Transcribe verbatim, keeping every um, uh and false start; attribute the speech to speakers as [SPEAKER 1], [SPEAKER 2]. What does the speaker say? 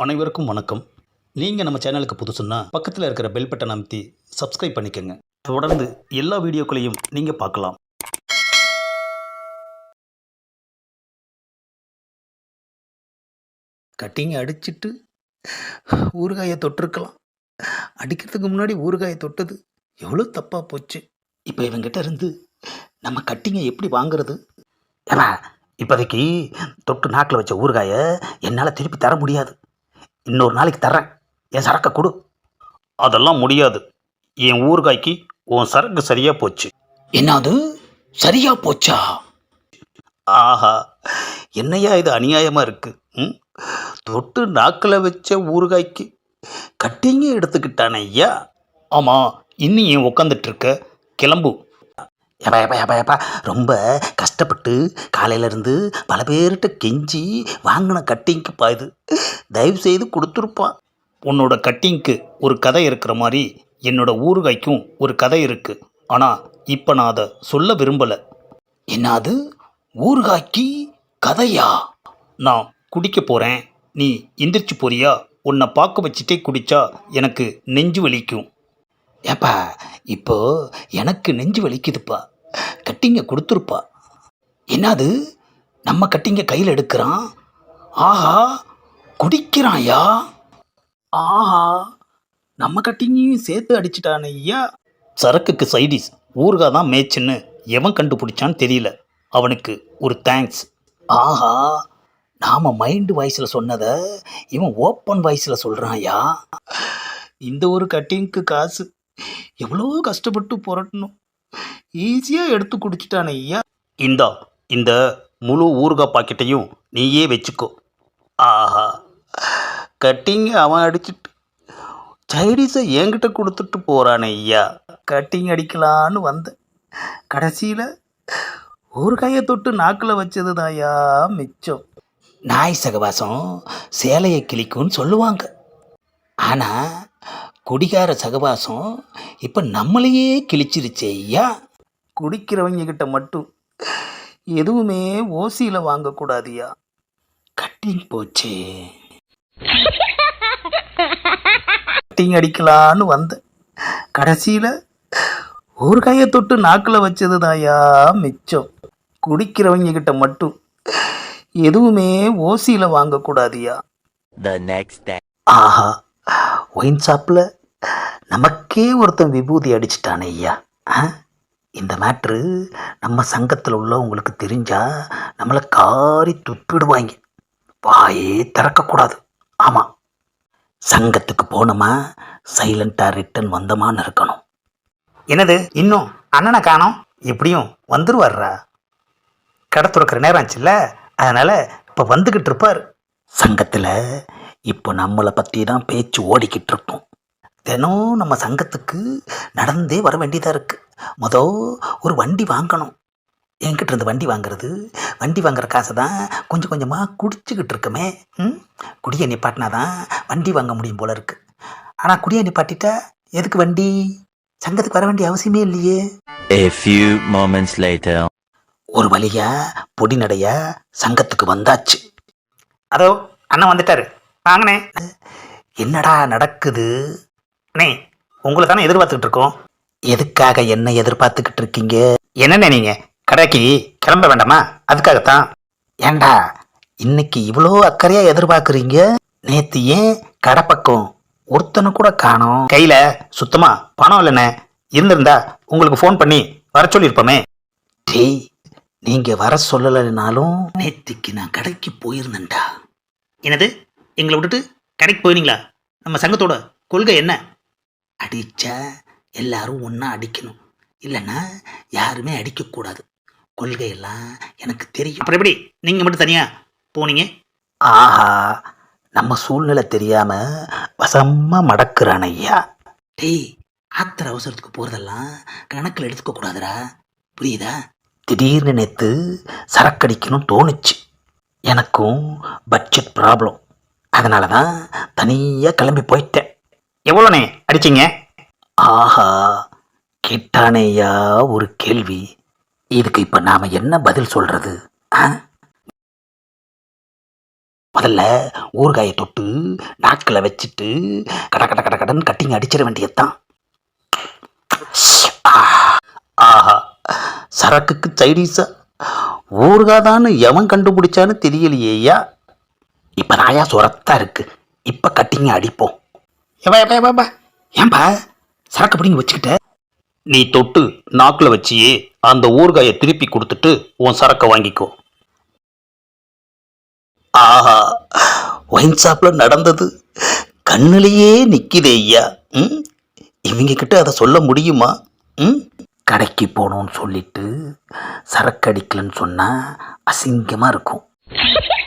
[SPEAKER 1] அனைவருக்கும் வணக்கம். நீங்கள் நம்ம சேனலுக்கு புதுசுன்னா பக்கத்தில் இருக்கிற பெல் பட்டன் அமைத்தி சப்ஸ்கிரைப் பண்ணிக்கோங்க. தொடர்ந்து எல்லா வீடியோக்களையும் நீங்கள் பார்க்கலாம்.
[SPEAKER 2] கட்டிங்க அடிச்சிட்டு ஊறுகாயை தொட்டிருக்கலாம். அடிக்கிறதுக்கு முன்னாடி ஊறுகாயை தொட்டது எவ்வளோ தப்பாக போச்சு.
[SPEAKER 1] இப்போ இவங்கிட்ட இருந்து நம்ம கட்டிங்க எப்படி வாங்குறது? ஏன்னா இப்போதைக்கு தொட்டு நாக்கில் வச்ச ஊறுகாயை என்னால் திருப்பி தர முடியாது. இன்னொரு நாளைக்கு தர்றேன், என் சரக்கை கொடு. அதெல்லாம் முடியாது. என் ஊறுகாய்க்கு உன் சரக்கு சரியாக போச்சு.
[SPEAKER 2] என்னது சரியா போச்சா?
[SPEAKER 1] ஆஹா, என்னையா இது அநியாயமாக இருக்குது. ம் தொட்டு நாக்கில் வச்ச ஊறுகாய்க்கு கட்டிங்க எடுத்துக்கிட்டானே ஐயா. ஆமாம், இன்னும் ஏன் உக்காந்துட்ருக்க? கிளம்பு. எப்பா எப்பா எப்பா எப்பா ரொம்ப கஷ்டப்பட்டு காலையிலேருந்து பல பேர்கிட்ட கெஞ்சி வாங்கின கட்டிங்க்குப்பா இது. தயவு செய்து கொடுத்துருப்பான். உன்னோட கட்டிங்க்கு ஒரு கதை இருக்கிற மாதிரி என்னோட ஊறுகாய்க்கும் ஒரு கதை இருக்குது. ஆனால் இப்போ நான் அதை சொல்ல விரும்பலை.
[SPEAKER 2] என்னது ஊறுகாய்க்கு கதையா?
[SPEAKER 1] நான் குடிக்க போகிறேன், நீ எந்திரிச்சு போறியா? உன்னை பார்க்க வச்சுட்டே குடித்தா எனக்கு நெஞ்சு வலிக்கும்.
[SPEAKER 2] ஏப்பா இப்போ எனக்கு நெஞ்சு வலிக்குதுப்பா. கட்டிங்க கொடுத்துருப்பா. என்னது நம்ம கட்டிங்க கையில் எடுக்கிறான்? ஆஹா, குடிக்கிறான்யா.
[SPEAKER 1] ஆஹா, நம்ம கட்டிங்கையும் சேர்த்து அடிச்சிட்டானே ஐயா. சரக்குக்கு சைடிஸ் ஊறுகாய் தான் மேய்ச்சுன்னு எவன் கண்டுபிடிச்சான்னு தெரியல. அவனுக்கு ஒரு தேங்க்ஸ்.
[SPEAKER 2] ஆஹா, நாம் மைண்டு வாய்ஸில் சொன்னதை இவன் ஓப்பன் வாய்ஸில் சொல்கிறான்யா.
[SPEAKER 1] இந்த ஒரு கட்டிங்க்கு காசு எவ்வளோ கஷ்டப்பட்டு புரட்டணும், ஈஸியாக எடுத்து குடிச்சிட்டானே ஐயா. இந்தா, இந்த முழு ஊறுகாய் பாக்கெட்டையும் நீயே வச்சுக்கோ. ஆஹா, கட்டிங்க அவன் அடிச்சிட்டு சைடிஸை என்கிட்ட கொடுத்துட்டு போகிறானே ஐயா. கட்டிங் அடிக்கலான்னு வந்தேன், கடைசியில் ஊறுகாயை தொட்டு நாக்கில் வச்சது தாயா மிச்சம்.
[SPEAKER 2] நாய் சகவாசம் சேலையை கிழிக்கும்னு சொல்லுவாங்க. ஆனால் குடிகார சகவாசம் இப்போ நம்மளையே கிழிச்சிருச்சே ஐயா.
[SPEAKER 1] குடிக்கிறவங்க கிட்ட மட்டும் எதுவுமே ஓசியில் வாங்கக்கூடாதியா.
[SPEAKER 2] கட்டிங் போச்சே.
[SPEAKER 1] கட்டிங் அடிக்கலான்னு வந்தேன், கடைசியில் ஊறுகாயை தொட்டு நாக்கில் வச்சது தாயா மிச்சம். குடிக்கிறவங்க கிட்ட மட்டும் எதுவுமே ஓசியில் வாங்கக்கூடாதியா.
[SPEAKER 2] The next day.
[SPEAKER 1] ஆஹா, ஒயின் ஷாப்பில் நமக்கே ஒருத்தன் விபூதி அடிச்சிட்டானே ஐயா. இந்த மேட்ரு நம்ம சங்கத்தில் உள்ளவங்களுக்கு தெரிஞ்சால் நம்மளை காரி துப்பிடுவாங்க. வாயே திறக்கக்கூடாது. ஆமாம், சங்கத்துக்கு போனோமா சைலண்ட்டாக ரிட்டன் வந்தோமான்னு இருக்கணும். என்னது இன்னும் அண்ணனை காணோம்? எப்படியும் வந்துருவார்ரா, கடை துறக்கிற நேரம் ஆச்சுல்ல, அதனால் இப்போ வந்துக்கிட்டு இருப்பார். சங்கத்தில் இப்போ நம்மளை பற்றி தான் பேச்சு ஓடிக்கிட்டு இருக்கோம். தினம் நம்ம சங்கத்துக்கு நடந்தே வர வேண்டியதாக இருக்குது. மொதல் ஒரு வண்டி வாங்கணும். என்கிட்ட இருந்து வண்டி வாங்குறது, வண்டி வாங்குற காசை தான் கொஞ்சம் கொஞ்சமாக குடிச்சிக்கிட்டு இருக்கமே. ம் குடியை நிப்பாட்டினா தான் வண்டி வாங்க முடியும் போல இருக்கு. ஆனால் குடியை நிப்பாட்டிட்டா எதுக்கு வண்டி? சங்கத்துக்கு வர வேண்டிய அவசியமே இல்லையே.
[SPEAKER 2] A few moments later.
[SPEAKER 1] ஒரு வழியா பொடி நடையா சங்கத்துக்கு வந்தாச்சு. அதோ அண்ணன் வந்துட்டாரு, வாங்கண்ணே. என்னடா நடக்குது? அண்ணே, உங்களை தானே எதிர்பார்த்துக்கிட்டு இருக்கோம். எதுக்காக என்ன எதிர்பார்த்துக்கிட்டு இருக்கீங்க? என்னண்ணே நீங்கள் கடைக்கு கிளம்ப வேண்டாமா? அதுக்காகத்தான். ஏண்டா இன்னைக்கு இவ்வளோ அக்கறையாக எதிர்பார்க்குறீங்க? நேற்று ஏன் கடை பக்கம் ஒருத்தனை கூட காணோம். கையில் சுத்தமாக பணம் இல்லைண்ணே. இருந்திருந்தா உங்களுக்கு ஃபோன் பண்ணி வர சொல்லியிருப்போமே. டேய், நீங்கள் வர சொல்லலைனாலும் நேற்றுக்கு நான் கடைக்கு போயிருந்தேன்டா. என்னது, எங்களை விட்டுட்டு கடைக்கு போயிருந்தீங்களா? நம்ம சங்கத்தோட கொள்கை என்ன? அடித்தா எல்லாரும் ஒன்றா அடிக்கணும், இல்லைன்னா யாருமே அடிக்கக்கூடாது. கொள்கையெல்லாம் எனக்கு தெரியும். அப்புறம் எப்படி நீங்கள் மட்டும் தனியாக போனீங்க? ஆஹா, நம்ம சூழ்நிலை தெரியாமல் வசமாக மடக்குறான் ஐயா. டேய், ஆத்திர அவசரத்துக்கு போகிறதெல்லாம் கணக்கில் எடுத்துக்க கூடாதுடா, புரியுதா? திடீர்னு நேற்று சரக்கடிக்கணும் தோணுச்சு. எனக்கும் பட்ஜெட் ப்ராப்ளம், அதனால தான் தனியாக கிளம்பி போயிட்டேன். எவ்வளோண்ணே அடிச்சிங்க? ஆஹா, கேட்டானேயா ஒரு கேள்வி. இதுக்கு இப்போ நாம் என்ன பதில் சொல்கிறது? முதல்ல ஊறுகாயை தொட்டு நாக்கில் வச்சுட்டு கட கட கட கடன் கட்டிங்க அடிச்சிட வேண்டியதுதான். ஆஹா, சரக்குக்கு சைடீஸா ஊறுகாதான்னு எவன் கண்டுபிடிச்சான்னு தெரியலையேயா. இப்போ நாயா சுரத்தா இருக்கு. இப்போ கட்டிங்க அடிப்போம். ஏப்பா ஏப்பா ஏப்பா ஏன்பா சரக்கு பிடிங்க வச்சுக்கிட்ட? நீ தொட்டு நாக்கில் வச்சியே அந்த ஊறுகாயை திருப்பி கொடுத்துட்டு உன் சரக்கை வாங்கிக்கோ. ஆஹா, ஒயின் ஷாப்பில் நடந்தது கண்ணிலேயே நிற்கிதே ஐயா. ம் இவங்க கிட்ட அதை சொல்ல முடியுமா? ம் கடைக்கு போகணும்னு சொல்லிட்டு சரக்கு அடிக்கலன்னு சொன்னால் அசிங்கமாக இருக்கும்.